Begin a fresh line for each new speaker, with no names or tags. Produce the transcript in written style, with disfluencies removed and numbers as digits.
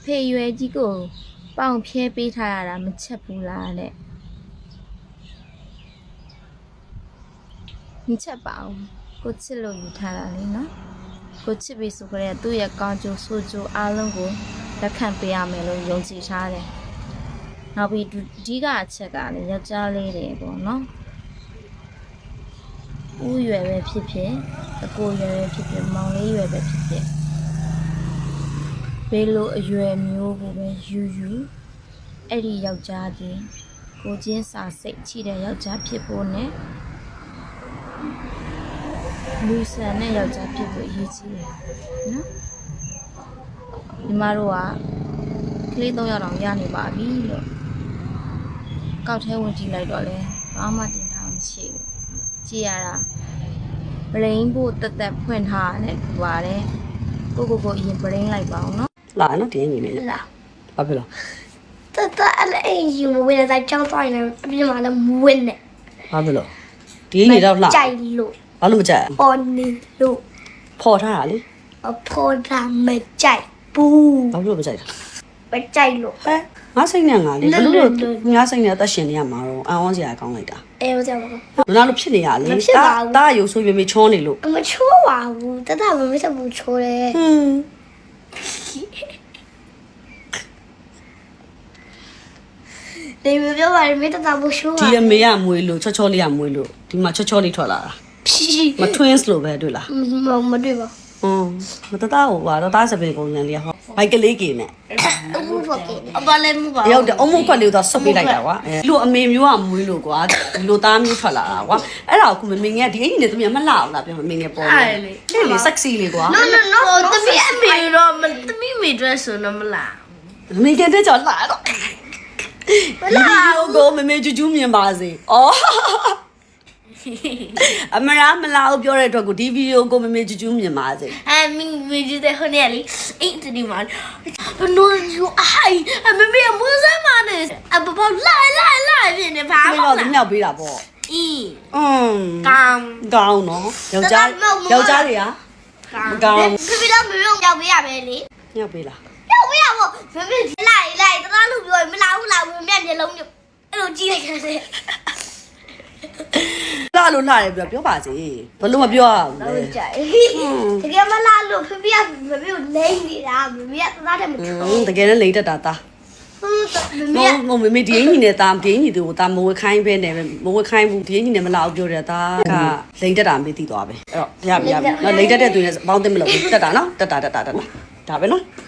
ဖေရွယ်ကြီးကိုပေါင်ဖြဲပေးထားရတာမချက်ဘူးလားတဲ့မချက်ပါဘူးကိုချစ်လို့ယူထားတာလေနော်ကိုချစ်ပြီဆိုကြတဲ့သူ့ရဲ့ကောင်းကျိုးဆိုးကျိုးအားလုံးကိုလက်ခံပေးရမယ်လို့ယုံကြည်ထားတယ်နောက်ပြီးအဓိကအချက်ကလည်းယောက်ျားလေးတွေပေါ့နော်ဦးရွယ်ပဲဖြစ်ဖြစ်အကိုရွယ်ပဲဖြစ်ဖြစ်မောင်လေးရွယ်ပဲဖြစ်ဖြစ်ဘယ်လိုအရွယ်မျိုးကိုပဲယူအဲ့ဒီယောက်ျားကြီးကိုချင်းစာစိတ်ချိတဲ့ယောက်ျားဖြစ်ဖို့နဲ့လူဆန်တဲ့ယောက်ျားဖြစ်ဖို့အရေးကြီးတယ်နော်ညီမတို့ကကလေး3ယောက်တောင်ရနေပါပြီလို့ကောက်ထဲဝင်ကြည့်လိုက်တော့လဲဘာမှတင်ထားမှမရှိဘူးကြည့်ရတာဘရိန်းဖို့တက်တက်ဖွင့်ထားတယ်ပါတယ်ကိုအရင်ဘရိန်းလိုက်ပါအောင်နော်
လာနော်ဒီညီလေး
လာ
ဘာဖြစ်လို့
တက်အဲ့ယူမဝင်တဲ့ကြောင်းသွားနေအပြင်မှာလည်းမဝင်နဲ့
ဘာဖြစ်လို့ဒီညီတော့လာ
ကြိုက်လို့
ဘာလို့မကြိုက်
ပေါ်နေလို့
ဖော်ထားတာလေ
ဖော်တာမကြိုက်ဘူး
ဘာလို့မကြိုက်တာ
မကြိုက်လို့
ဟဲ့ငါစိတ်နဲ့ငါလေဘလို့ငါစိတ်နဲ့အသက်ရှင်နေရမှာတော့အဝန်းစရာကောင်းလိုက်တာ
ဟုတ်ကြပါ
ဘူးနားလို့ဖြစ်နေရလေတာရုပ်ဆိုးမြေချောနေလို့
မချိုးပါဘူးတတမမစဘူးချိုးတယ်ဒီမပြောပါနဲ့မတတဘူးချိုးပါ
ဒီအမေကမွေးလို့ချောလေးကမွေးလို့ဒီမှာချောလေးထွက်လာတာမ twins လို့ပဲတွေ့လား
မတွေ့ပါ
မတသားဟိုကတော့သားစပင်ကုန်ရန်လေးဟောဘိုက်ကလေးကင်းနဲ့
အမှုဖောက်ကေအပလည်းမှုပါ
ရောက်တယ်အမှုခွက်လေးတော့ဆုပ်ပေးလိုက်တာကွာလူအမေမျိုးကမွေးလို့ကွာဒီလိုသားမျိုးထွက်လာတာကွာအဲ့ဒါကိုမမေငယ်ဒီအိမ်နဲ့တမီးမလှအောင်လားပြောမမေငယ်ပေါ်တယ်လေ sexy လေးကွာ
no တမီးအမေတော့တမီးမေ dress ဆိုတော့မလား
မမေငယ်တဲ့ကြောင့်လှတော့ဒီဗီဒီယိုကိုမမေကျူးကျူးမြင်ပါစေအော်အမရာမလာဘူးပြောတဲ့အတွက်ကိုဒီဗီဒီယိုကိုမမေကျူးကျူးမြင်ပါစေ
မင်းကြီးတဲ့ဟိုနေလေအိတ်ဒီမှာနော်ယူအိုင်မမေမွေးစမ်းမနဲ့အပပလာပြင်းနေပါ
မလို့ဒီမြောက်ပေးတာပေါ့ကောင်းနော်ယောက်ျားတွေကကောင်း
ပြတော့မမေရောက်ပေးရပဲလေ
မြောက်ပေးလား
ရောက်ပေးရပေါ့မမေလိုက်တသားလို့ပြောရင်မလာဘူးမမေမျက်လုံးမျိုးအဲ့လိုကြည့်လိုက်ရတယ်
လာလို့လာတယ်ပြောပါစေဘလို့မပြောရဘူးလေ
တကယ်မလာလို့ဖေကိုလိမ့်နေတာမမေကသားတယ်မထိုး
တကယ်လည်းလိမ့်တတ်တာသားမမေဒီအင်းကြီးနဲ့သားဒီအင်းကြီးတို့သားမဝခိုင်းပဲနဲ့မဝခိုင်းဘူးဒီအင်းကြီးနဲ့မလာဘူးပြောတယ်သားကလိမ့်တတ်တာမေးသိသွားပဲအဲ့တော့ရပြီနော်လိမ့်တတ်တဲ့သူနဲ့ဘောင်းသိမလို့တက်တာနော်တက်တာဒါပဲနော်